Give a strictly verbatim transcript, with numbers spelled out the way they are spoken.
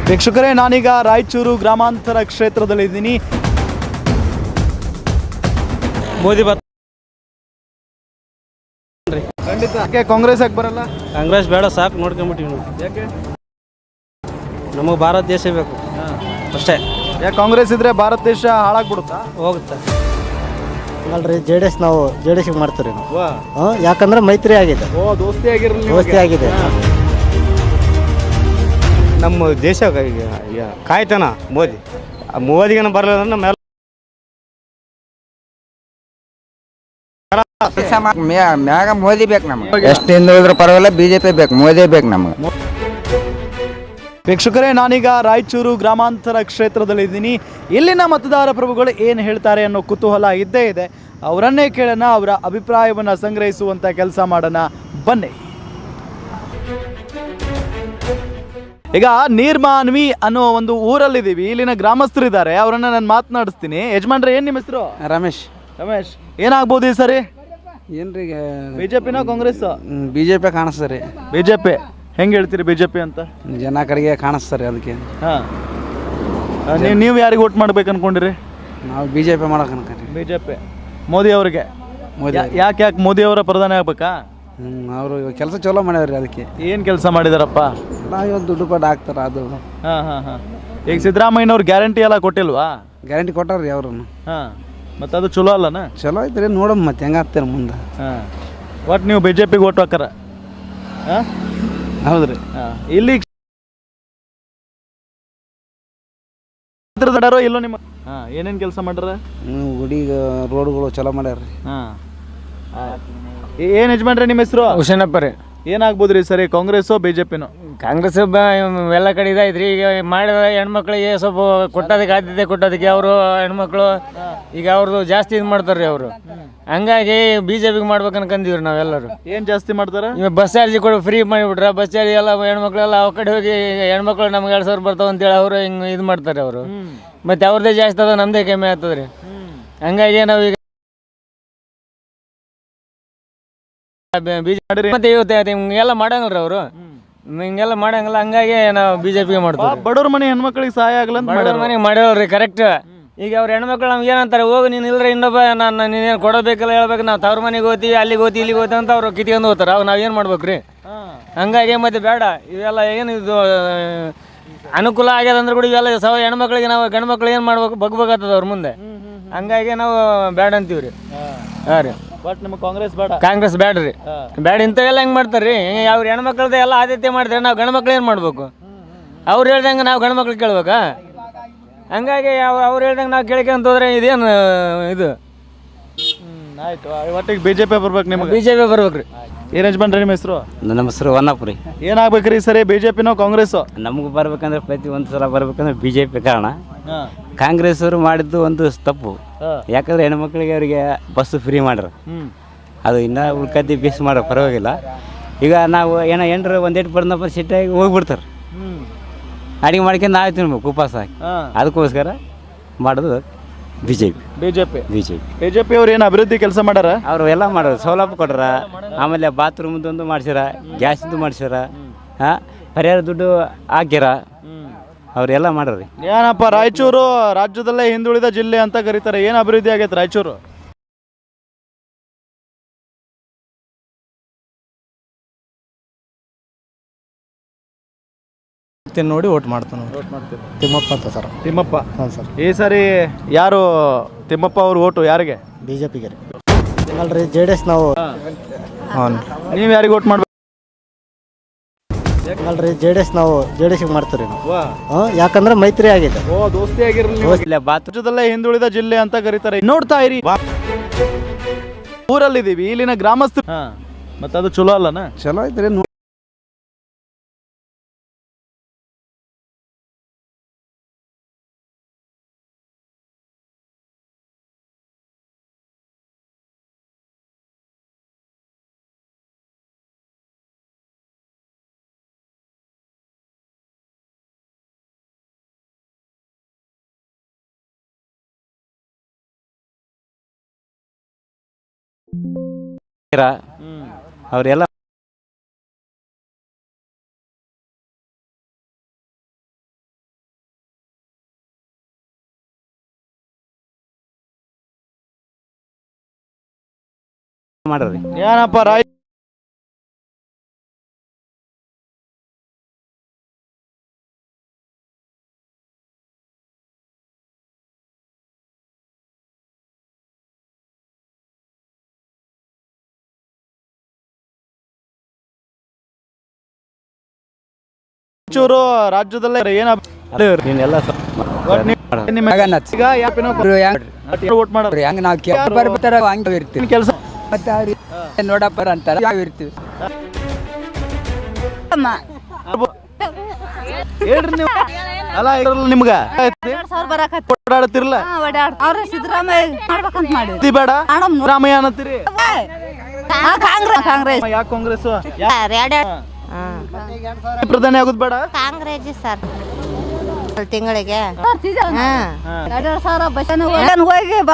ವೀಕ್ಷಕರೇ, ನಾನೀಗ ರಾಯಚೂರು ಗ್ರಾಮಾಂತರ ಕ್ಷೇತ್ರದಲ್ಲಿದ್ದೀನಿ. ಮೋದಿ ಬತ್ ಖಂಡಿತ. ಯಾಕೆ ಕಾಂಗ್ರೆಸ್ ಯಾಕೆ ಬರಲ್ಲ? ಕಾಂಗ್ರೆಸ್ ಬೇಡ, ಸಾಕು ನೋಡ್ಕೊಂಬಿಟ್ಟಿವಿ ನಾವು. ಯಾಕೆ? ನಮಗೆ ಭಾರತ ದೇಶ ಬೇಕು ಅಷ್ಟೇ. ಯಾಕೆ ಕಾಂಗ್ರೆಸ್ ಇದ್ರೆ ಭಾರತ ದೇಶ ಹಾಳಾಗ್ಬಿಡುತ್ತಾ? ಹೋಗುತ್ತೆ. ಅಲ್ರಿ, ಜೆ ಡಿ ಎಸ್ ನಾವು ಜೆ ಡಿ ಎಸ್ಗೆ ಮಾಡ್ತೀವಿ ನಾವು. ವಾ. ಹಾಂ, ಯಾಕಂದ್ರೆ ಮೈತ್ರಿ ಆಗಿದೆ, ಓ ದೋಸ್ತಿ ಆಗಿರಲಿ, ದೋಸ್ತಿ ಆಗಿದೆ. ನಮ್ಮ ದೇಶ ಕಾಯ್ತಾನ ಮೋದಿ. ಮೋದಿಗೇನು ಬರಲ್ಲ ನಮ್ಮ ಮ್ಯಾಗ ಮೋದಿ ಬೇಕು ನಮ್ಗೆ. ಎಷ್ಟು ಹಿಂದುಳಿದ್ರೆ ಪರವಾಗಿಲ್ಲ, ಬಿಜೆಪಿ ಬೇಕು, ಮೋದಿ ಬೇಕು ನಮ್ಗೆ. ವೀಕ್ಷಕರೇ, ನಾನೀಗ ರಾಯಚೂರು ಗ್ರಾಮಾಂತರ ಕ್ಷೇತ್ರದಲ್ಲಿದ್ದೀನಿ. ಇಲ್ಲಿನ ಮತದಾರ ಪ್ರಭುಗಳು ಏನು ಹೇಳ್ತಾರೆ ಅನ್ನೋ ಕುತೂಹಲ ಇದ್ದೇ ಇದೆ. ಅವರನ್ನೇ ಕೇಳೋಣ, ಅವರ ಅಭಿಪ್ರಾಯವನ್ನು ಸಂಗ್ರಹಿಸುವಂಥ ಕೆಲಸ ಮಾಡೋಣ, ಬನ್ನಿ. ಈಗ ನೀರ್ಮಾನ್ವಿ ಅನ್ನೋ ಒಂದು ಊರಲ್ಲಿದ್ದೀವಿ. ಇಲ್ಲಿನ ಗ್ರಾಮಸ್ಥರಿದ್ದಾರೆ, ಅವರನ್ನು ನಾನು ಮಾತನಾಡಿಸ್ತೀನಿ. ಯಜಮಾನ್ರೆ, ಏನು ನಿಮ್ಮ ಹೆಸರು? ರಮೇಶ್. ರಮೇಶ್, ಏನಾಗ್ಬೋದು ಈ ಸರಿ? ಏನ್ರಿ, ಬಿಜೆಪಿನ ಕಾಂಗ್ರೆಸ್? ಬಿ ಜೆ ಪಿ ಕಾಣಿಸ್ತಾರೆ. ಬಿಜೆಪಿ ಹೆಂಗೆ ಹೇಳ್ತೀರಿ ಬಿಜೆಪಿ ಅಂತ? ಜನ ಕಡೆಗೆ ಕಾಣಿಸ್ತಾರೆ, ಅದಕ್ಕೆ. ಹಾಂ, ನೀವು ನೀವು ಯಾರಿಗೆ ವೋಟ್ ಮಾಡ್ಬೇಕು ಅನ್ಕೊಂಡಿರಿ? ನಾವು ಬಿ ಜೆ ಪಿ ಮಾಡೋಕೆ ಅನ್ಕೊಂಡ್ರಿ. ಬಿಜೆಪಿ ಮೋದಿ ಅವರಿಗೆ. ಮೋದಿ ಯಾಕೆ ಯಾಕೆ ಮೋದಿ ಅವರ ಪ್ರಧಾನಿ ಆಗ್ಬೇಕಾ? ಹ್ಞೂ, ಅವರು ಕೆಲಸ ಚಲೋ ಮಾಡ್ಯಾವ್ರಿ, ಅದಕ್ಕೆ. ಏನು ಕೆಲಸ ಮಾಡಿದಾರಪ್ಪ? ನಾವು ಇವತ್ತು ದುಡ್ಡು ಪಟ್ಟು ಹಾಕ್ತಾರೆ, ಅದು. ಹಾಂ ಹಾಂ ಹಾಂ ಈಗ ಸಿದ್ದರಾಮಯ್ಯನವ್ರು ಗ್ಯಾರಂಟಿ ಎಲ್ಲ ಕೊಟ್ಟಿಲ್ವಾ? ಗ್ಯಾರಂಟಿ ಕೊಟ್ಟಾರ್ರಿ ಅವ್ರನ್ನು. ಹಾಂ, ಮತ್ತು ಅದು ಚಲೋ ಅಲ್ಲನ? ಚಲೋ ಐತ್ರಿ, ನೋಡಮ್ ಮತ್ತೆ ಹೆಂಗೆ ಆಗ್ತಾರೆ ಮುಂದೆ. ಹಾಂ, ಒಟ್ಟು ನೀವು ಬಿ ಜೆ ಪಿಗೆ ಓಟ್ ಹಾಕಾರ? ಹಾಂ, ಹೌದ್ರಿ. ಹಾಂ, ಇಲ್ಲಿ ಇಲ್ಲೋ ನಿಮ್ಮ? ಹಾಂ, ಏನೇನು ಕೆಲಸ ಮಾಡ್ಯಾರ? ಗುಡಿ ರೋಡ್ಗಳು ಚಲೋ ಮಾಡ್ಯಾರ್ರಿ. ಹಾಂ, ಏನು ಯಜಮಾನ್ರೆ ನಿಮ್ಮ ಹೆಸರು? ಹುಷೇನಪ್ಪ ರೀ. ಏನಾಗ್ಬೋದ್ರಿ ಸರಿ, ಕಾಂಗ್ರೆಸ್ಸೋ ಬಿಜೆಪಿನೋ? ಕಾಂಗ್ರೆಸ್ ಬ ಎಲ್ಲ ಕಡೆ ಇದಾಯ್ತು ಈಗ ಮಾಡಿದ ಹೆಣ್ಮಕ್ಳಿಗೆ ಸ್ವಲ್ಪ ಕೊಟ್ಟೋದಕ್ಕೆ ಆದ್ಯತೆ ಕೊಟ್ಟೋದಕ್ಕೆ ಅವರು ಹೆಣ್ಮಕ್ಳು ಈಗ ಅವ್ರದ್ದು ಜಾಸ್ತಿ ಇದು ಮಾಡ್ತಾರೆ ರೀ ಅವರು. ಹಂಗಾಗಿ ಬಿ ಜೆ ಪಿಗೆ ಮಾಡ್ಬೇಕು ಅನ್ಕಂದೀವಿ ರೀ ನಾವೆಲ್ಲರೂ. ಏನು ಜಾಸ್ತಿ ಮಾಡ್ತಾರೆ? ಇವಾಗ ಬಸ್ ಚಾರ್ಜ್ ಕೊಡು ಫ್ರೀ ಮಾಡಿಬಿಟ್ರೆ ಬಸ್ ಚಾರ್ಜ್ ಎಲ್ಲ ಹೆಣ್ಮಕ್ಳೆಲ್ಲ ಆ ಕಡೆ ಹೋಗಿ ಹೆಣ್ಮಕ್ಳು ನಮ್ಗೆ ಎರಡು ಸಾವಿರ ಬರ್ತಾವೆ ಅಂತೇಳಿ ಅವರು ಹಿಂಗೆ ಇದು ಮಾಡ್ತಾರೆ ಅವರು. ಮತ್ತು ಅವ್ರದ್ದೇ ಜಾಸ್ತಿ ಅದ, ನಮ್ಮದೇ ಕಮ್ಮಿ ಆಗ್ತದೆ ರೀ. ಹಂಗಾಗಿ ನಾವೀಗ ಬಿಜೆಪಿ ಮತ್ತೆ ಇವತ್ತು ಹಿಂಗೆಲ್ಲ ಮಾಡಂಗಿಲ್ಲ ಅವರು, ಹಿಂಗೆಲ್ಲ ಮಾಡಂಗಿಲ್ಲ. ಹಂಗಾಗಿ ನಾವು ಬಿಜೆಪಿಗೆ ಮಾಡ್ತೀವಿ. ಬಡವ್ರ ಮನೆ ಹೆಣ್ಮಕ್ಳಿಗೆ ಸಹಾಯ ಆಗಲ್ಲ ಅಂತ ಬಡವ್ರ ಮನೆಗೆ ಮಾಡಿರಲ್ರಿ, ಕರೆಕ್ಟ್. ಈಗ ಅವ್ರ ಹೆಣ್ಮಕ್ಳು ನಮ್ಗೆ ಏನಂತಾರೆ, ಹೋಗಿ ನೀನು ಇಲ್ಲರೆ ಇನ್ನೊಬ್ಬ ನಾನು ನೀನೇನು ಕೊಡಬೇಕಲ್ಲ ಹೇಳ್ಬೇಕು, ನಾವು ತವ್ರ ಮನೆಗೆ ಹೋಗ್ತೀವಿ, ಅಲ್ಲಿಗೆ ಹೋಗ್ತೀವಿ, ಇಲ್ಲಿಗೆ ಹೋಗ್ತೀವಿ ಅಂತ ಅವ್ರು ಕಿತ್ಕೊಂಡು ಹೋಗ್ತಾರೆ. ಅವಾಗ ನಾವು ಏನು ಮಾಡ್ಬೇಕು ರೀ? ಹಂಗಾಗಿ ಮತ್ತೆ ಬೇಡ ಇವೆಲ್ಲ. ಏನು ಇದು ಅನುಕೂಲ ಆಗ್ಯದ ಅಂದ್ರೆ ಕೂಡ ಇವೆಲ್ಲ ಸವ ಹೆಣ್ಮಕ್ಳಿಗೆ ನಾವು ಗಂಡು ಮಕ್ಳು ಏನು ಮಾಡ್ಬೇಕು, ಬಗ್ಬೇಕಾಗ್ತದ ಅವ್ರ ಮುಂದೆ. ಹಂಗಾಗಿ ನಾವು ಬೇಡ ಅಂತೀವಿ ರೀ. ಹಾಂ ರೀ, ಬಟ್ ನಿಮಗೆ ಕಾಂಗ್ರೆಸ್ ಬೇಡ? ಕಾಂಗ್ರೆಸ್ ಬೇಡ ರೀ, ಬೇಡ. ಇಂಥವೆಲ್ಲ ಹೆಂಗೆ ಮಾಡ್ತಾರೆ ರೀ? ಅವ್ರು ಹೆಣ್ಮಕ್ಳದ್ದು ಎಲ್ಲ ಆದ್ಯತೆ ಮಾಡ್ತಾರೆ, ನಾವು ಗಂಡು ಮಕ್ಳು ಏನು ಮಾಡ್ಬೇಕು? ಅವ್ರು ಹೇಳ್ದಂಗೆ ನಾವು ಗಂಡು ಮಕ್ಳು ಕೇಳ್ಬೇಕಾ? ಹಂಗಾಗಿ ಅವ್ರು ಅವ್ರು ಹೇಳ್ದಂಗೆ ನಾವು ಕೇಳ್ಕೊಂತ ಹೋದ್ರೆ ಇದೇನು ಇದು? ಆಯ್ತು, ಒಟ್ಟಿಗೆ ಬಿ ಜೆ ಪಿ ಬರ್ಬೇಕು ನಿಮಗೆ? ಬಿ ಜೆ ಪಿ ಬರ್ಬೇಕು ರೀ. ಏನು ಯಜಮಾನ್ರಿ ನಿಮ್ಮ ಹೆಸರು? ನಮ್ಮ ಹೆಸರು ವನ್ನಪ್ಪ ರೀ. ಏನಾಗ್ಬೇಕ್ರಿ ಸರಿ, ಬಿ ಜೆ ಪಿನೋ ಕಾಂಗ್ರೆಸ್ಸು? ನಮ್ಗೆ ಬರ್ಬೇಕಂದ್ರೆ ಪ್ರತಿ ಒಂದು ಸಲ ಬರ್ಬೇಕಂದ್ರೆ ಬಿ ಜೆ ಪಿ ಕಾರಣ. ಕಾಂಗ್ರೆಸ್ ಅವರು ಮಾಡಿದ್ದು ಒಂದು ತಪ್ಪು. ಯಾಕಂದ್ರೆ ಹೆಣ್ಮಕ್ಳಿಗೆ ಅವರಿಗೆ ಬಸ್ಸು ಫ್ರೀ ಮಾಡ್ರ, ಅದು ಇನ್ನೂ ಉಳ್ಕದ್ದಿ ಬೇಸ್ ಮಾಡ್ರ ಪರವಾಗಿಲ್ಲ. ಈಗ ನಾವು ಏನೋ ಎಂಟ್ರು ಒಂದು ಎಂಟು ಬರ್ದಪ್ಪ ಸಿಟ್ಟಾಗಿ ಹೋಗ್ಬಿಡ್ತಾರೆ, ಅಡಿಗೆ ಮಾಡ್ಕೊಂಡು ನಾವು ತಿನ್ಬೇಕು ಉಪವಾಸ ಹಾಕಿ. ಅದಕ್ಕೋಸ್ಕರ ಮಾಡೋದು B J P. B J P B J P B J P ಅವ್ರು ಏನು ಅಭಿವೃದ್ಧಿ ಕೆಲಸ ಮಾಡ್ಯಾರ? ಅವರು ಎಲ್ಲ ಮಾಡೋರು, ಸೌಲಭ್ಯ ಕೊಟ್ರ, ಆಮೇಲೆ ಬಾತ್ರೂಮ್ದೊಂದು ಮಾಡ್ಸ್ಯಾರ, ಗ್ಯಾಸಿಂದು ಮಾಡ್ಸ್ಯಾರ, ಹಾಂ ಪರಿಹಾರ ದುಡ್ಡು ಹಾಕ್ಯಾರ, ಅವರೆಲ್ಲ ಮಾಡ್ರಿ. ಏನಪ್ಪ, ರಾಯಚೂರು ರಾಜ್ಯದಲ್ಲೇ ಹಿಂದುಳಿದ ಜಿಲ್ಲೆ ಅಂತ ಕರೀತಾರೆ. ಏನು ಅಭಿವೃದ್ಧಿ ಆಗೈತೆ ರಾಯಚೂರು? ನೋಡಿ ಓಟ್ ಮಾಡ್ತಾನೆ. ಓಟ್ ಮಾಡ್ತೀವಿ. ತಿಮ್ಮಪ್ಪ ಅಂತ ಸರ್. ತಿಮ್ಮಪ್ಪ? ಹಾಂ ಸರ್. ಈ ಸಾರಿ ಯಾರು ತಿಮ್ಮಪ್ಪ ಅವ್ರ ಓಟು ಯಾರಿಗೆ? ಬಿ ಜೆ ಪಿಗೆ ರೀ. ಅಲ್ರಿ, ಜೆ ಡಿ ಎಸ್ ನಾವು. ಹಾಂ, ನೀವು ಯಾರಿಗೆ ಓಟ್ ಮಾಡ್ಬೇಕು? ಅಲ್ರಿ, ಜೆ ಡಿ ಎಸ್ ನಾವು ಜೆ ಡಿ ಎಸ್ಗೆ ಮಾಡ್ತೀವಿ ನಾವು. ವಾ. ಹಾಂ, ಯಾಕಂದ್ರೆ ಮೈತ್ರಿ ಆಗಿದೆ. ಓ ದೋಸ್ತಿ ಆಗಿರಲಿ. ರಾಜ್ಯದಲ್ಲೇ ಹಿಂದುಳಿದ ಜಿಲ್ಲೆ ಅಂತ ಕರೀತಾರೆ. ನೋಡ್ತಾ ಇರಿ, ಊರಲ್ಲಿದ್ದೀವಿ. ಇಲ್ಲಿನ ಗ್ರಾಮಸ್ಥರು. ಹಾಂ, ಮತ್ತೆ ಅದು ಚಲೋ ಅಲ್ಲನ? ಚಲೋ ಐತ್ರಿ. ಅವರೆಲ್ಲ ಮಾಡ್ರಿ. ಏನಪ್ಪ ರಾಯ ಚೂರು ರಾಜ್ಯದಲ್ಲೇ ಏನ ನೀನೆಲ್ಲ ಸ- ಈಗ ಯಾಪಿನ ವೋಟ್ ಮಾಡೋರು ಹೆಂಗ್ ನಾವು ಬರ್ತಾರ ಹಂಗೆ ಇರ್ತೀವಿ ಕೆಲಸ ಮತ್ತೆ ಅವ್ರು ನೋಡಪ್ಪ ಅಂತಾರ ಯಾವ ಇರ್ತೀವಿ. ಹೇಳ್ರಿ ನೀವು ಅಲ್ಲ ಇದ್ರಲ್ಲಿ ನಿಮ್ಗ ಓಡಾಡ್ತಿರ್ಲ ಅವ್ರ ಸಿದ್ದರಾಮಯ್ಯ ಮಾಡ್ಬೇಕಂತ ಮಾಡಿದ್ರು ಇದು ಬೇಡ ರಾಮಯ್ಯ ಅನ್ನತ್ತೀರಿ ಕಾಂಗ್ರೆಸ್ ಕಾಂಗ್ರೆಸ್ ಯಾಕೆ ಕಾಂಗ್ರೆಸ್ ಎರಡು ಪ್ರಧಾನಿ ಆಗುದ್ ಬೇಡ ಕಾಂಗ್ರೆಸ್ ಸರ್ ತಿಂಗಳಿಗೆ ಎರಡೆರಡು ಸಾವಿರ ಬಸ್ ಹೋಗಿ